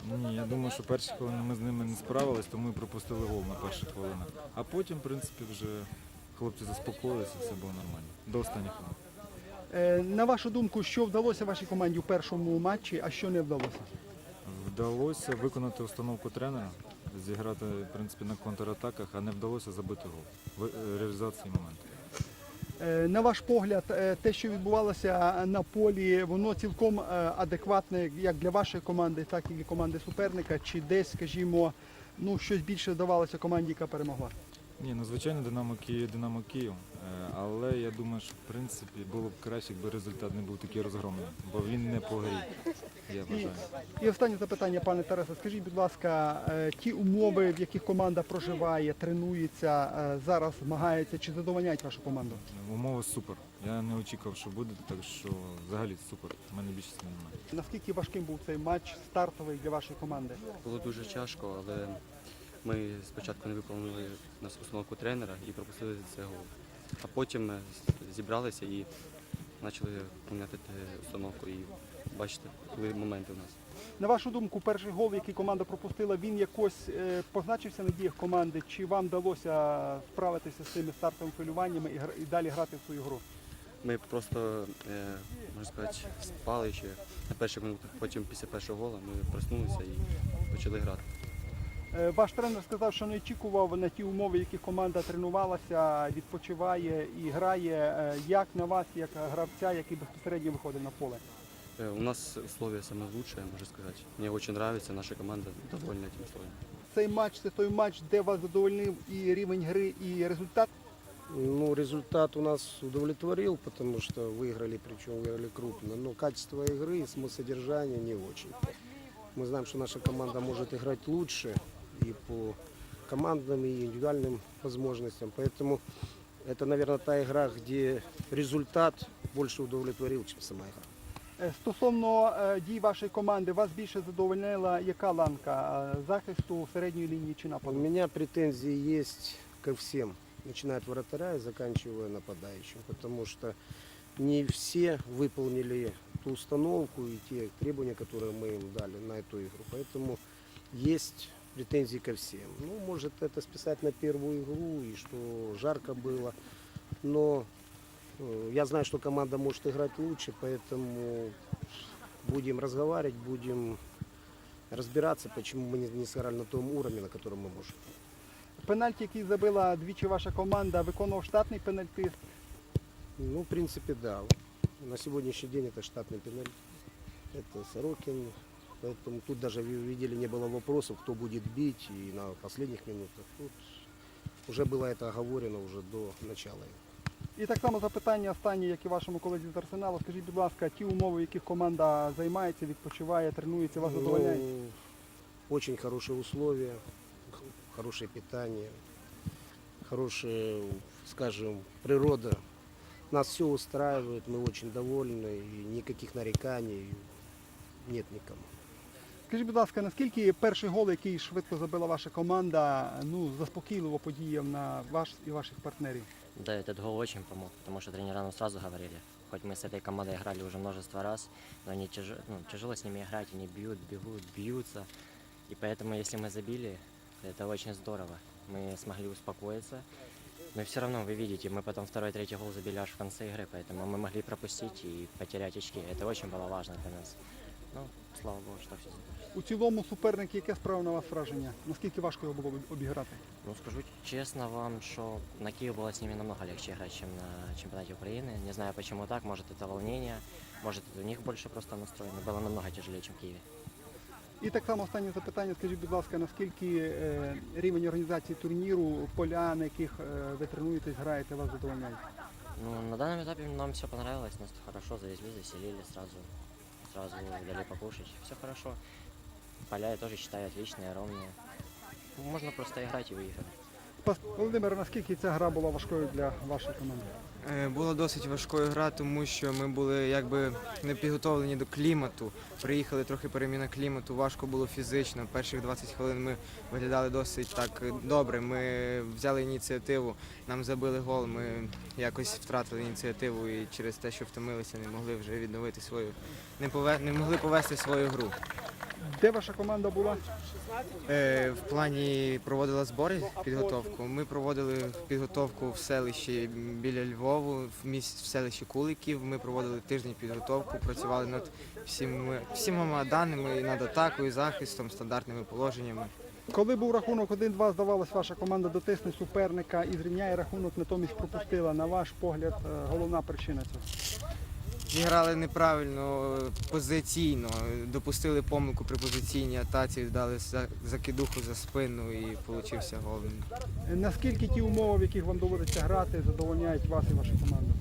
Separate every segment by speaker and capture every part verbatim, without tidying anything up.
Speaker 1: Ні, я думаю, що перші хвилини ми з ними не справились, тому і пропустили гол на перших хвилинах. А потім, в принципі, вже хлопці заспокоїлися, все було нормально. До останніх хвилин.
Speaker 2: Е, На вашу думку, що вдалося вашій команді у першому матчі, а що не вдалося?
Speaker 1: Вдалося виконати установку тренера, зіграти, в принципі, на контратаках, а не вдалося забити гол в е, реалізації моменту.
Speaker 2: Е, На ваш погляд, е, те, що відбувалося на полі, воно цілком е, адекватне як для вашої команди, так і для команди суперника, чи десь, скажімо, ну, щось більше вдавалося команді, яка перемогла?
Speaker 1: Ні, ну звичайно, Динамо Київ, Динамо Київ, е, але я думаю, що в принципі було б краще, якби результат не був такий розгромний, бо він не по грі, я
Speaker 2: І,
Speaker 1: вважаю.
Speaker 2: і останнє запитання, пане Тарасе, скажіть, будь ласка, е, ті умови, в яких команда проживає, тренується, е, зараз змагається, чи задовольняють вашу команду?
Speaker 1: Умови супер. Я не очікував, що буде, так що взагалі супер. У мене більше слів немає.
Speaker 2: Наскільки важким був цей матч стартовий для вашої команди?
Speaker 3: Було дуже тяжко, але ми спочатку не виконали нас установку тренера і пропустили цей гол. А потім ми зібралися і почали поміняти установку і бачите, були моменти у нас.
Speaker 2: На вашу думку, перший гол, який команда пропустила, він якось е, позначився на діях команди? Чи вам вдалося справитися з цими стартовими хвилюваннями і, гра- і далі грати в свою гру?
Speaker 3: Ми просто, е, можна сказати, спали ще на перших минутах, потім після першого гола ми проснулися і почали грати.
Speaker 2: Е, Ваш тренер сказав, що не очікував на ті умови, в яких команда тренувалася, відпочиває і грає. Е, Як на вас, як гравця, який безпосередньо виходить на поле?
Speaker 3: Э, У нас условия самые лучшие, можно сказать. Мне очень нравится, наша команда довольна этим условием.
Speaker 2: Цей матч – це той матч, де вас задовольнив і рівень гри, і результат?
Speaker 4: Ну, результат у нас удовлетворил, потому что выиграли, причем выиграли крупно. Но качество игры и самосодержание не очень. Мы знаем, что наша команда может играть лучше и по командным, и индивидуальным возможностям. Поэтому это, наверное, та игра, где результат больше удовлетворил, чем сама игра.
Speaker 2: Е, Стосовно е, дій вашої команди, вас більше задовольнила яка ланка е, захисту, середньої лінії чи
Speaker 4: У
Speaker 2: нападу?
Speaker 4: меня претензии есть ко всем, начиная от вратаря и заканчивая нападающим, потому что не все выполнили ту установку и те требования, которые мы им дали на эту игру. Поэтому есть претензии ко всем. Ну, может это списать на первую игру и что жарко было, но э, я знаю, что команда может играть лучше, поэтому будем разговаривать, будем разбираться, почему мы не, не сыграли на том уровне, на котором мы можем.
Speaker 2: Пенальті, який забила двічі ваша команда, виконував штатний пенальтист.
Speaker 4: Ну, в принципе, да. На сегодняшний день это штатный пенальти. Это Сорокин. Поэтому тут даже вы видели, не было вопросов, кто будет бить. И на последних минутах тут уже было это оговорено уже до начала.
Speaker 2: І так само запитання останнє, як і вашому колезі з Арсеналу. Скажіть, будь ласка, ті умови, в яких команда займається, відпочиває, тренується, вас задовольняють?
Speaker 4: Ну, очень хорошие условия, х- хорошее питание, хорошая, скажем, природа. Нас все устраивает, мы очень довольны, и никаких нареканий нет никому.
Speaker 2: Скажіть, будь ласка, наскільки перший гол, який швидко забила ваша команда, ну, заспокійливо подіяв на вас і ваших партнерів?
Speaker 5: Да, этот гол очень помог, потому что тренера нам сразу говорили, хоть мы с этой командой играли уже множество раз, но они тяжело, ну, тяжело с ними играть, они бьют, бегут, бьются. И поэтому, если мы забили, это очень здорово. Мы смогли успокоиться. Но все равно, вы видите, мы потом второй, третий гол забили аж в конце игры, поэтому мы могли пропустить и потерять очки. Это очень было важно для нас. Ну, слава Богу, что все закончилось.
Speaker 2: У цілому суперник, яке справив на вас враження? Наскільки важко його було обіграти?
Speaker 5: Ну, скажу честно вам, что на Киев было с ними намного легче играть, чем на чемпионате Украины. Не знаю, почему так. Может, это волнение, может, это у них больше просто настроено. Было намного тяжелее, чем в Киеве.
Speaker 2: І так само останнє запитання. Скажіть, будь ласка, наскільки е, рівень організації турніру, поля, на яких е, ви тренуєтесь, граєте, вас задовольняють?
Speaker 5: Ну, на данном этапе нам все понравилось, нас хорошо завезли, заселили сразу, сразу дали покушать. Все хорошо. Поля я тоже считаю отличные, ровные. Можно просто играть и выигрывать.
Speaker 2: Пас- Володимир, наскільки ця гра була важкою для вашої команди?
Speaker 6: Е, Була досить важкою гра, тому що ми були якби не підготовлені до клімату. Приїхали трохи переміна клімату, важко було фізично. Перших двадцять хвилин ми виглядали досить так добре. Ми взяли ініціативу, нам забили гол, ми якось втратили ініціативу і через те, що втомилися, не могли вже відновити свою, не, пове, не могли повести свою гру.
Speaker 2: Де ваша команда була?
Speaker 6: Е, В плані проводила збори, підготовку. Ми проводили підготовку в селищі біля Львову, в місті в селищі Куликів. Ми проводили тиждень підготовку, працювали над всіма, всіма даними, і над атакою, захистом, стандартними положеннями.
Speaker 2: Коли був рахунок один-два, здавалось, ваша команда дотисне суперника і зрівняє рахунок, натомість пропустила. На ваш погляд, е, головна причина цього?
Speaker 6: Зіграли неправильно позиційно, допустили помилку при позиційній атаці, дали за- закидуху за спину і получився гол.
Speaker 2: Е, Наскільки ті умови, в яких вам доводиться грати, задовольняють вас і вашу команду?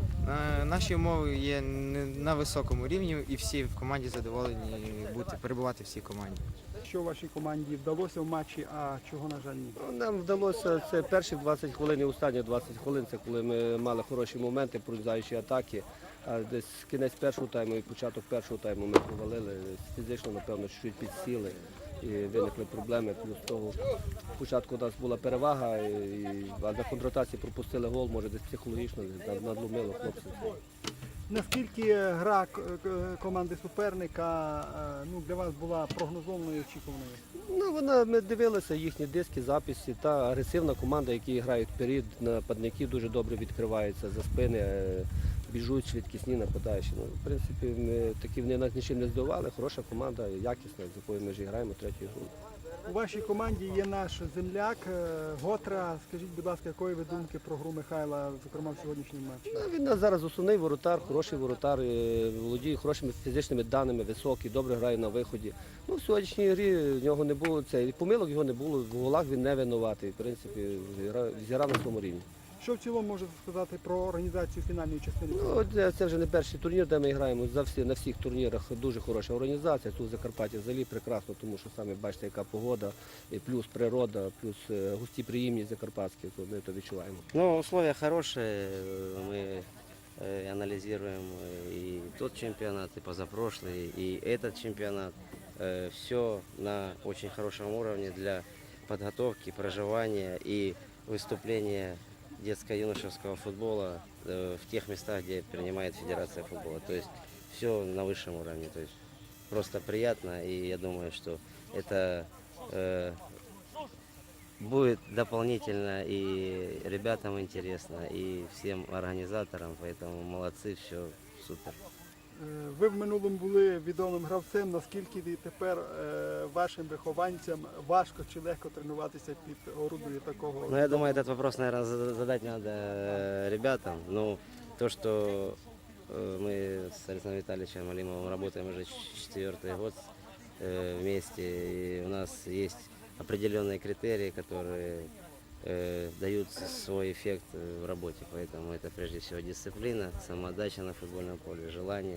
Speaker 6: Е, Наші умови є не- на високому рівні, і всі в команді задоволені бути, перебувати в цій команді.
Speaker 2: Що вашій команді вдалося в матчі, а чого, на жаль, ні?
Speaker 4: Ну, Нам вдалося це перші двадцять хвилин і останні двадцять хвилин, це коли ми мали хороші моменти, прорізаючі атаки. А десь кінець першого тайму і початок першого тайму ми провалили. Фізично, напевно, чуть підсіли і виникли проблеми. Плюс того, спочатку у нас була перевага, і, а на контратації пропустили гол, може десь психологічно десь надломило хлопців.
Speaker 2: Наскільки гра к- к- команди суперника е, ну, для вас була прогнозованою і очікуваною?
Speaker 4: Ну, вона, ми дивилися їхні диски, записи. Та агресивна команда, які грають вперед, нападники дуже добре відкриваються за спини, е, біжуть швидкісні нападаючі. Ну, в принципі, ми такі вони нас нічим не здивували. Хороша команда, якісна, з якою ми вже граємо третю гру.
Speaker 2: У вашій команді є наш земляк е, Готра. Скажіть, будь ласка, якої ви думки про гру Михайла, зокрема в сьогоднішньому матчі?
Speaker 4: Ну, він у нас зараз основний воротар, хороший воротар, е, володіє хорошими фізичними даними, високий, добре грає на виході. Ну, в сьогоднішній грі в нього не було це, і помилок його не було, в голах він не винуватий. В принципі, зіграв, зіграв на своєму рівні.
Speaker 2: Що в цілому можете сказати про організацію фінальної частини?
Speaker 4: Ну, от, е, це вже не перший турнір, де ми граємо. За всі, на всіх турнірах дуже хороша організація. Тут в Закарпатті взагалі прекрасно, тому що самі бачите, яка погода, і плюс природа, плюс е, густі приємні закарпатські, то ми то відчуваємо.
Speaker 7: Ну, условия хорошие, э, мы э, анализируем э, и тот чемпионат, и позапрошлый, и этот чемпионат. Все на очень хорошем уровне для подготовки, проживания и выступления детско-юношеского футбола э, в тех местах, где принимает Федерация футбола. То есть все на высшем уровне. То есть просто приятно, и я думаю, что это э, будет дополнительно и ребятам интересно, и всем организаторам, поэтому молодцы, все супер.
Speaker 2: Е, Ви в минулому були відомим гравцем. Наскільки і тепер е, вашим вихованцям важко чи легко тренуватися під орудою такого?
Speaker 7: Ну, я думаю, этот вопрос, наверное, задать надо э, ребятам. Ну, то, что э, мы с Александром Витальевичем Алимовым работаем уже четвертый год э, вместе, и у нас есть определенные критерии, которые э, дают свой эффект э, в работе. Поэтому это прежде всего дисциплина, самоотдача на футбольном поле, желание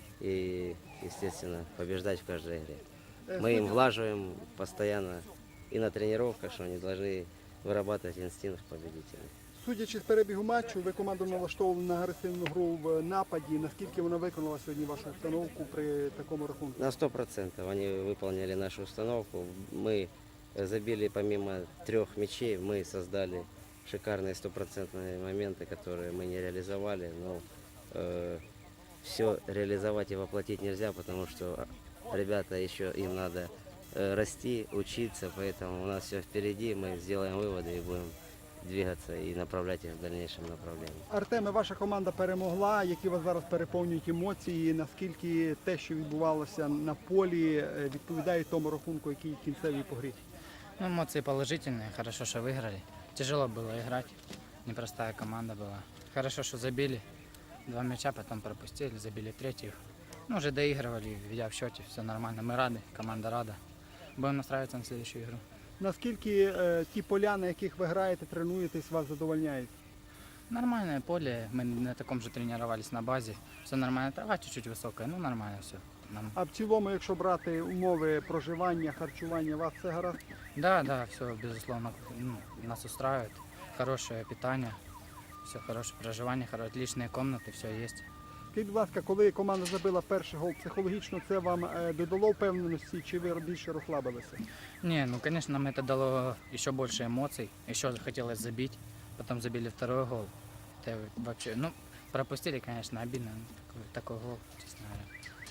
Speaker 7: и, естественно, побеждать в каждой игре.
Speaker 2: Е,
Speaker 7: Мы им
Speaker 2: судя-
Speaker 7: влаживаем постоянно и на тренировках, что они должны вырабатывать инстинкт победителя.
Speaker 2: Судячи з перебігу матчу, ви команду налаштовували на агресивну гру в нападі. Наскільки вона виконала сьогодні вашу установку при такому рахунку?
Speaker 7: На сто процентов они выполнили нашу установку. Мы э, забили помимо трех мячей, мы создали шикарные стопроцентные моменты, которые мы не реализовали. Но э, все реализовать и воплотить нельзя, потому что ребята еще им надо э, расти, учиться, поэтому у нас все впереди, мы сделаем выводы и будем двигаться и направлять их в дальнейшем направлении.
Speaker 2: Артеме, ваша команда перемогла. Які вас зараз переповнюють емоції? Наскільки те, що відбувалося на полі, е, відповідає тому рахунку, який кінцевий по грі?
Speaker 8: Ну, эмоции положительные, хорошо, что выиграли. Тяжело было играть, непростая команда была. Хорошо, что забили два мяча, потом пропустили, забили третью. Ну, уже доигрывали, ведя в счете, все нормально. Мы рады, команда рада. Будем настраиваться на следующую игру.
Speaker 2: Наскільки е, ті поля, на яких ви граєте, тренуєтесь, вас задовольняють?
Speaker 8: Нормальное поле, мы на таком же тренировались на базе. Все нормально, трава чуть-чуть высокая, ну нормально все. Нам...
Speaker 2: А в цілому, якщо брати умови проживання, харчування, вас все гаразд?
Speaker 8: Да, да, все, безусловно, ну, нас устраивает. Хорошее питание, все хорошее проживание, хоро- отличные комнаты, все есть.
Speaker 2: Скажіть, будь ласка, коли команда забила перший гол, психологічно це вам е, додало впевненості, чи ви більше розслабилися?
Speaker 8: Не, ну конечно, нам это дало еще больше эмоций, еще хотелось забить, потом забили второй гол. Это вообще, ну, пропустили, конечно, обидно, ну, такой, такой гол, честно говоря.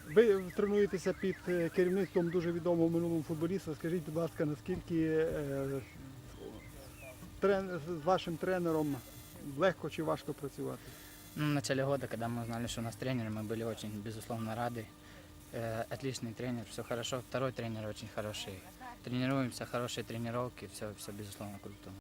Speaker 2: Ви тренуєтеся під е, керівництвом дуже відомого минулого футболіста. Скажіть, будь ласка, наскільки е, трен- з вашим тренером легко чи важко працювати?
Speaker 8: Ну, в начале года, когда мы узнали, что у нас тренер, мы были очень, безусловно, рады. Э, отличный тренер, все хорошо. Второй тренер очень хороший. Тренируемся, хорошие тренировки, все, все безусловно, круто.